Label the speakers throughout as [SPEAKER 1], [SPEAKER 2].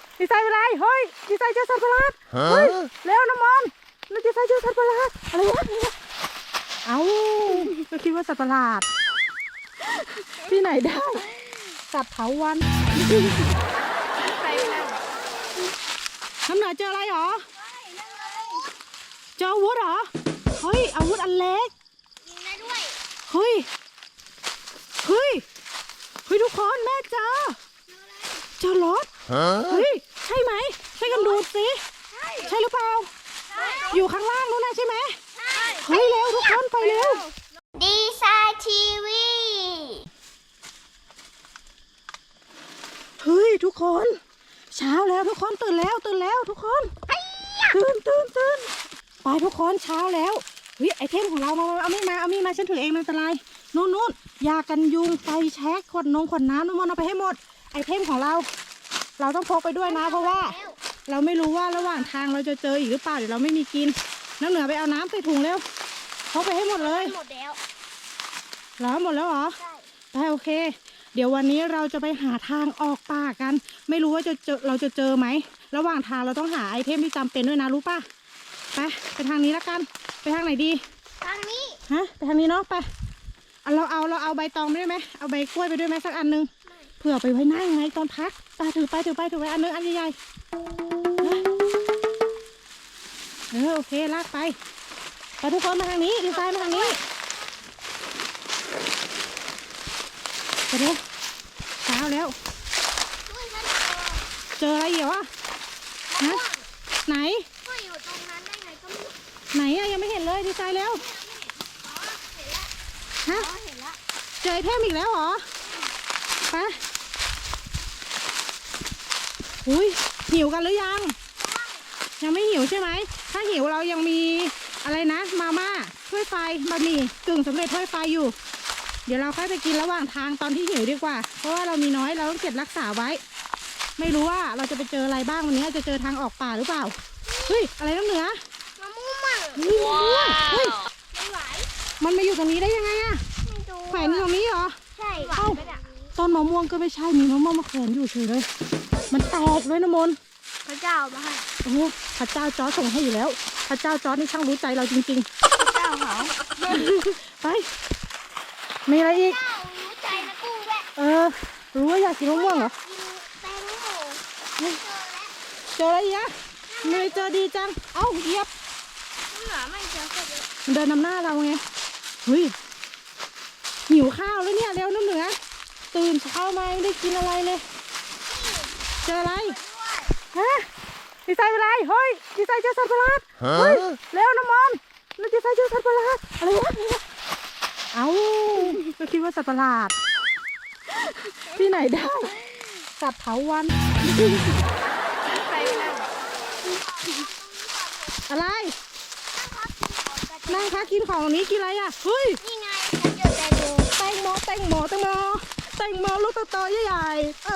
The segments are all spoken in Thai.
[SPEAKER 1] ดีไซน์อะไรเฮ้ยดีไซน์เจอสัตว์ประหลาดเฮ้ยเร็วน้ำมันแล้วดีไซน์เจอสัตว์ประหลาดอะไรวะเอ้าก็คิดว่าสัตว์ประหลาดที่ไหนได้สัตว์เถาวัลย์น้ำหนาเจออะไรหรอเจออาวุธเหรอเฮ้ยอาวุธอันเล็กยิงได้ด้วยเฮ้ยทุกคนแม่เจอรถเฮ้ยใช่ไหมใช่กันดูสิใช่หรือเปล่าอยู่ข้างล่างนู้นนะใช่ไหมเฮ้ยเร็วทุกคนไปเร็ว
[SPEAKER 2] ดีไซน์ทีวี
[SPEAKER 1] เฮ้ยทุกคนเช้าแล้วทุกคนตื่นแล้วทุกคนตื่นไปทุกคนเช้าแล้วเฮ้ยไอเทมของเรามาเอามีดมาฉันถือเองไม่เป็นไรนู่นยากันยุงไฟแช็กขวดน้ำน้ำมันเอาไปให้หมดไอเทมของเราต้องพกไปด้วยนะเพราะว่าเราไม่รู้ว่าระหว่างทางเราจะเจออีกหรือเปล่าเดี๋ยวเราไม่มีกินน้ำเหนือไปเอาน้ำใส่ถุงเร็วพกไปให้หมดเลย
[SPEAKER 2] หมดแล้ว
[SPEAKER 1] หมดแล้วเหรอใช่โอเคเดี๋ยววันนี้เราจะไปหาทางออกป่ากันไม่รู้ว่าเราจะเจอไหมระหว่างทางเราต้องหาไอเทมที่จำเป็นด้วยนะรู้ป่ะไปทางนี้แล้วกันไปทางไหนดี
[SPEAKER 2] ทางนี้
[SPEAKER 1] ไปทางนี้เนาะไปเราเอาใบตองไปด้วยไหมเอาใบกล้วยไปด้วยไหมสักอันนึงเผื่อไปไว้นั่งไงตอนพักถือไปอันนึงอันใหญ่โอเคลากไปทุกคนมาทางนี้ดีไซน์มาทางนี้ไปเร็วเช้าแล้วเจออะไรเหรอไหน
[SPEAKER 2] ก็อยู่ตรงนั้นได้ไงก็ไม่
[SPEAKER 1] ไหนอะยังไม่เห็นเลยดีไซน์แล้ว
[SPEAKER 2] เห็นแล้ว
[SPEAKER 1] เจอไอเทมอีกแล้วเหรอไปหิวกันหรือยังไม่หิวใช่ไหมถ้าหิวเรายังมีอะไรนะมาม่าถ้วยไฟบะหมี่กึ่งสำเร็จถ้วยไฟอยู่เดี๋ยวเราค่อยไปกินระหว่างทางตอนที่หิวดีกว่าเพราะว่าเรามีน้อยเราต้องเก็บรักษาไว้ไม่รู้ว่าเราจะไปเจออะไรบ้างวันนี้จะเจอทางออกป่าหรือเปล่าอะไรน้ำเหนือ
[SPEAKER 2] มะม่วง
[SPEAKER 1] ไม่
[SPEAKER 2] ไหว
[SPEAKER 1] มันมาอยู่ตรงนี้ได้ยังไงอะแขวนอยู่ตรงนี้เหรอ
[SPEAKER 2] ใช่
[SPEAKER 1] ต้นมะม่วงก็ไม่ใช่มีมะม่วงมาแขวนอยู่เฉยเลยมันแตกด้วยนะมน
[SPEAKER 2] พระเจ้ามาให้
[SPEAKER 1] พระเจ้าจอร์จส่งให้อยู่แล้วพระเจ้าจอร์จนี่ช่างรู้ใจเราจริง
[SPEAKER 2] ๆพระเจ้าเขา
[SPEAKER 1] ไปมีอะไรอีก
[SPEAKER 2] รู้ใจนะกุ้งแว
[SPEAKER 1] ะรู้ว่าอยากกินมะม่วงเหรอ
[SPEAKER 2] แตงโม
[SPEAKER 1] เจออะไรอีกอะไม่เจอดีจังเหยียบ
[SPEAKER 2] ไม่เจอเลย
[SPEAKER 1] มันเดินนำหน้าเราไงหิวข้าวแล้วเนี่ยเร็วน้ำเหนือตื่นเช้ามาไม่ได้กินอะไรเลยเจออะไรดีไซน์อะไรเฮ้ยดีไซน์เจอสัตว์ประหลาดเร็วน้ำมันแล้วดีไซน์เจอสัตว์ประหลาดอะไรวะก็คิดว่าสัตว์ประหลาดที่ไหนได้สัตว์เถาวัลย์อะไรนั่งพักกินของนี้กินอะไรอ่ะ
[SPEAKER 2] นี่ไงฉันเจอแตงโม
[SPEAKER 1] ลูกโตๆใหญ่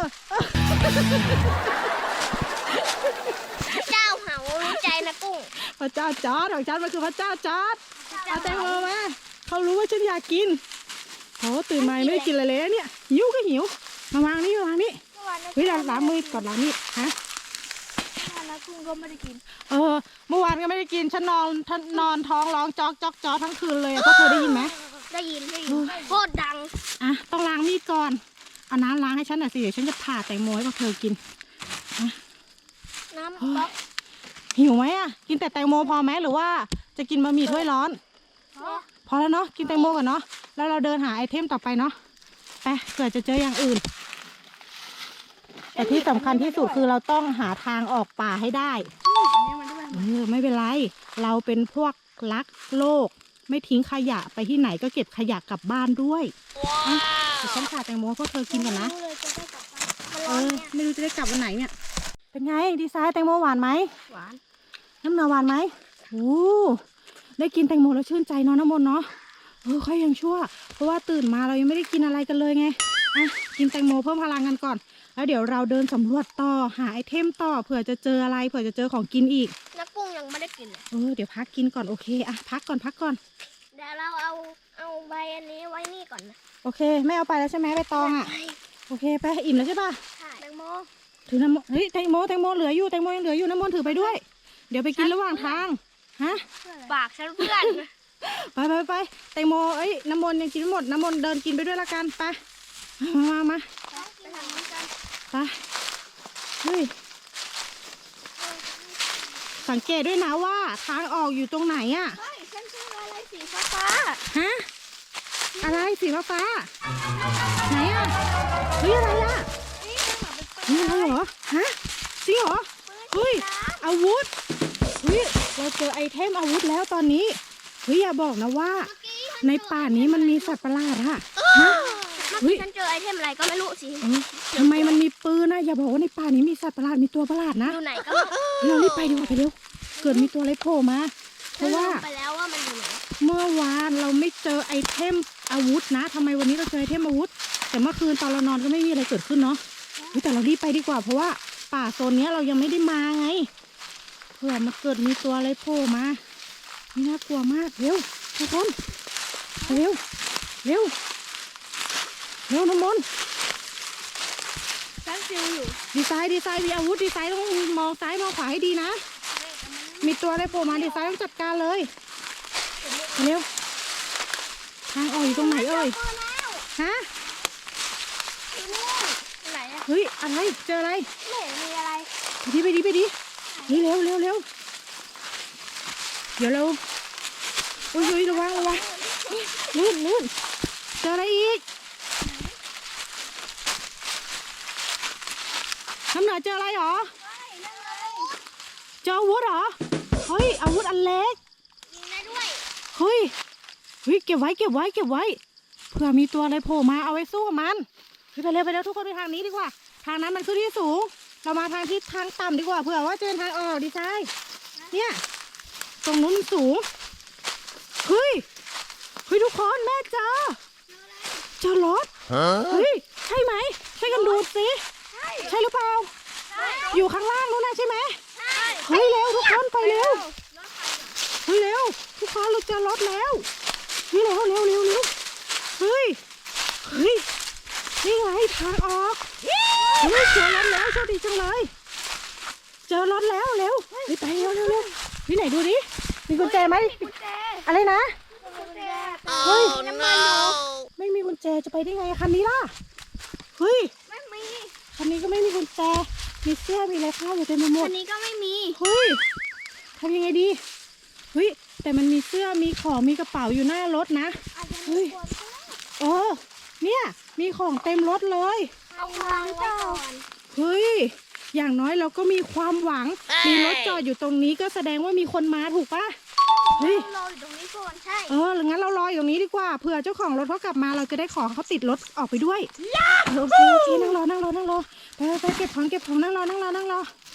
[SPEAKER 2] พระเจ้าเขารู้ใจนะกุ้ง
[SPEAKER 1] พระเจ้าจอร์จของฉันมันคือพระเจ้าจอร์จเอาแตงโมมาเขารู้ว่าฉันอยากกินตื่นมาไม่ได้กินอะไรเลยเนี่ยหิวก็หิวมาวางนี่ล้างมือก่อนล้างนี่
[SPEAKER 2] กุ้งก็ไม่ได้กิน
[SPEAKER 1] เมื่อวานก็ไม่ได้กินฉันนอนท้องร้องจอกทั้งคืนเลยพวกเธอได้ยินไหม
[SPEAKER 2] ได้ยินโคตรดัง
[SPEAKER 1] ต้องล้างมีดก่อนเอาน้ำล้างให้ฉันหน่อยสิเดี๋ยวฉันจะผ่าแตงโมให้พวกเธอกิน
[SPEAKER 2] น้ำ
[SPEAKER 1] หิวไหมกินแต่แตงโมพอไหมหรือว่าจะกินบะหมี่ถ้วยร้อนพอแล้วเนาะกินแตงโมก่อนเนาะแล้วเราเดินหาไอเทมต่อไปเนาะไปเผื่อจะเจออย่างอื่นแต่ที่สำคัญที่สุดคือเราต้องหาทางออกป่าให้ได้ไม่เป็นไรเราเป็นพวกรักโลกไม่ทิ้งขยะไปที่ไหนก็เก็บขยะกลับบ้านด้วยเดี๋ยวฉันผ่าแตงโมพวกเธอกินก่อนนะไม่รู้จะได้กลับวันไหนเนี่ยเป็นไงดีไซน์แตงโมหวานไหม
[SPEAKER 2] หวาน
[SPEAKER 1] น้ำเนื้อหวานไหมได้กินแตงโมแล้วชื่นใจเนาะน้ำมนเนาะค่อยยังชั่วเพราะว่าตื่นมาเรายังไม่ได้กินอะไรกันเลยไงกินแตงโมเพิ่มพลังกันก่อนแล้วเดี๋ยวเราเดินสำรวจต่อหาไอเทมต่อเผื่อจะเจออะไรเผื่อจะเจอของกินอีก
[SPEAKER 2] นักกุ้งยังไม่ได้กินเลย
[SPEAKER 1] เดี๋ยวพักกินก่อนโอเคพักก่อน
[SPEAKER 2] เดี๋ยวเราเอาใบอันนี้ไว้นี่ก่อนนะ
[SPEAKER 1] โอเคไม่เอาไปแล้วใช่ไหมใบตองโอเคไปอิ่มแล้วใช่ป่ะ
[SPEAKER 2] ใช่แตงโม
[SPEAKER 1] ถือน้ำมนต์เฮ้ยแตงโมเหลืออยู่แตงโมยังเหลืออยู่น้ำมนต์ถือไปด้วย เดี๋ยวไปกินระหว่างทางฮะ
[SPEAKER 2] ปากฉันเพื่อน
[SPEAKER 1] ไปแตงโมเอ้ยน้ำมนต์ยังกินไม่หมดน้ำมนต์เดินกินไปด้วยละกันไปมา
[SPEAKER 2] ไปทางนี้กัน
[SPEAKER 1] ไปเฮ้ยสังเกตด้วยนะว่าทางออกอยู่ตรงไหนอะ
[SPEAKER 2] เฮ้ยฉันเจออะไรสีฟ้า
[SPEAKER 1] ฮะอะไรสีฟ้าไหนอะเฮ้ยอะไรอะ
[SPEAKER 2] ๆนี่มันเหมือนเป็นปืน
[SPEAKER 1] นี่อะไรเหรอฮะจริงเหรอเฮ้ยอาวุธเฮ้ยเราเจอไอเทมอาวุธแล้วตอนนี้เฮ้ยอย่าบอกนะว่า ในป่านี้มันมีสัตว์ประหลาดอะฮะ
[SPEAKER 2] เมื่อกี้ฉันเจอไอเทมอะไรก็ไม่รู้สิ
[SPEAKER 1] ทำไมมันมีปืนนะอย่าบอกว่าในป่านี้มีสัตว์ประหลาดมีตัวประหลาดนะ
[SPEAKER 2] อยู่ไหนก็ไม่รู้
[SPEAKER 1] เรารีบไปดีกว่าไปเร็วเกิดมีตัวอะไรโผล่มาเพ
[SPEAKER 2] ฉัน
[SPEAKER 1] ราะ
[SPEAKER 2] ลื
[SPEAKER 1] ว่าม
[SPEAKER 2] ไปแล้วว่ามันอยู่ไหน
[SPEAKER 1] เมื่อวานเราไม่เจอไอเทมอาวุธนะทำไมวันนี้เราเจอไอเทมอาวุธ แต่เมื่อคืนตอนเรานอนก็ไม่มีอะไรเกิดขึ้นเนาะเฮ้ยแต่เรารีบไปดีกว่าเพราะว่าป่าโซนเนี้ยเรายังไม่ได้มาไงเผื่อมาเกิดมีตัวอะไรโผล่มานี่น่ากลัวมากเร็วทุกคนเร็วน้ำมนต์
[SPEAKER 2] ฉันฟิวอยู่
[SPEAKER 1] ดีไซน์มีอาวุธดีไซน์ต้องมองซ้ายมองขวาให้ดีนะ มีตัวอะไรโผล่มาดีไซน์ต้องจัดการเลยเร็วทางออกอยู่ตรงไหนเอ่ย
[SPEAKER 2] เจอแล้ว
[SPEAKER 1] ฮะ
[SPEAKER 2] อยู่นู่นไหนอะ
[SPEAKER 1] เฮ้ยอะไรเจออะไร
[SPEAKER 2] ไม่เห็นมีอะไร
[SPEAKER 1] ไปดินี่เร็วเดี๋ยวเราอุ้ยระวังลื่นเจออะไรอีกน้ำเหนือเจออะไรหรอ
[SPEAKER 2] นั่นเลย
[SPEAKER 1] เจออาวุธเหรอเฮ้ยอาวุธอันเล็ก
[SPEAKER 2] ยิงได้ด้วย
[SPEAKER 1] เฮ้ยเก็บไว้เผื่อมีตัวอะไรโผล่มาเอาไว้สู้กับมันไปเร็วทุกคนไปทางนี้ดีกว่า ทางนั้นมันขึ้นที่สูง เรามาทางที่ทางต่ำดีกว่าเผื่อว่าเจอทางออกดีไซน์เนี่ยตรงนู้นมันสูงเฮ้ยทุกคนแม่เจอรถเฮ้ยใช่ไหมใช่กันดูสิใช่หรือเปล่าอยู่ข้างล่างนู้นนะใช่ไหมเฮ้ยเร็วทุกคนไปเร็วทุกคนเราเจอรถแล้วเร็วเฮ้ยนี่ไงทางออกเฮ้ยเจอรถแล้วโชคดีจังเลยเจอรถแล้วเร็วไปเร็วไหนดูดิมีกุญแจไหม
[SPEAKER 2] กุญแจ
[SPEAKER 1] อะไรนะ
[SPEAKER 2] กุญแจ
[SPEAKER 1] เฮ้ย
[SPEAKER 2] น้ำมันอยู่
[SPEAKER 1] ไม่มีกุญแจจะไปได้ไงคันนี้ล่ะเฮ้ย
[SPEAKER 2] ไม่มี
[SPEAKER 1] คันนี้ก็ไม่มีกุญแจมีเสื้อมีอะไรข้าวอยู่เต็มไปหม
[SPEAKER 2] อั
[SPEAKER 1] ด
[SPEAKER 2] นนี้ก็ไม่มี
[SPEAKER 1] เฮ้ยทำยังไงดีเฮ้ยแต่มันมีเสื้อมีของมีกระเป๋าอยู่หน้ารถนะ
[SPEAKER 2] อาจจะ
[SPEAKER 1] เฮ้
[SPEAKER 2] มี
[SPEAKER 1] ย
[SPEAKER 2] คนก็ได้
[SPEAKER 1] เนี่ยมีของเต็มรถเลย
[SPEAKER 2] เอาวางไว้ก่อน
[SPEAKER 1] เฮ้ยอย่างน้อยเราก็มีความหวังมีรถจอดอยู่ตรงนี้ก็แสดงว่ามีคนมาถูกปะเฮ้ย
[SPEAKER 2] รออยู่ตรงนี้ก่อนใช่
[SPEAKER 1] งั้นเรารออยู่ตรงนี้ดีกว่าเผื่อเจ้าของรถเขากลับมาเราจะได้ของเขาติดรถออกไปด้วยโอเคนั่งรอไปเก็บของนั่งรอ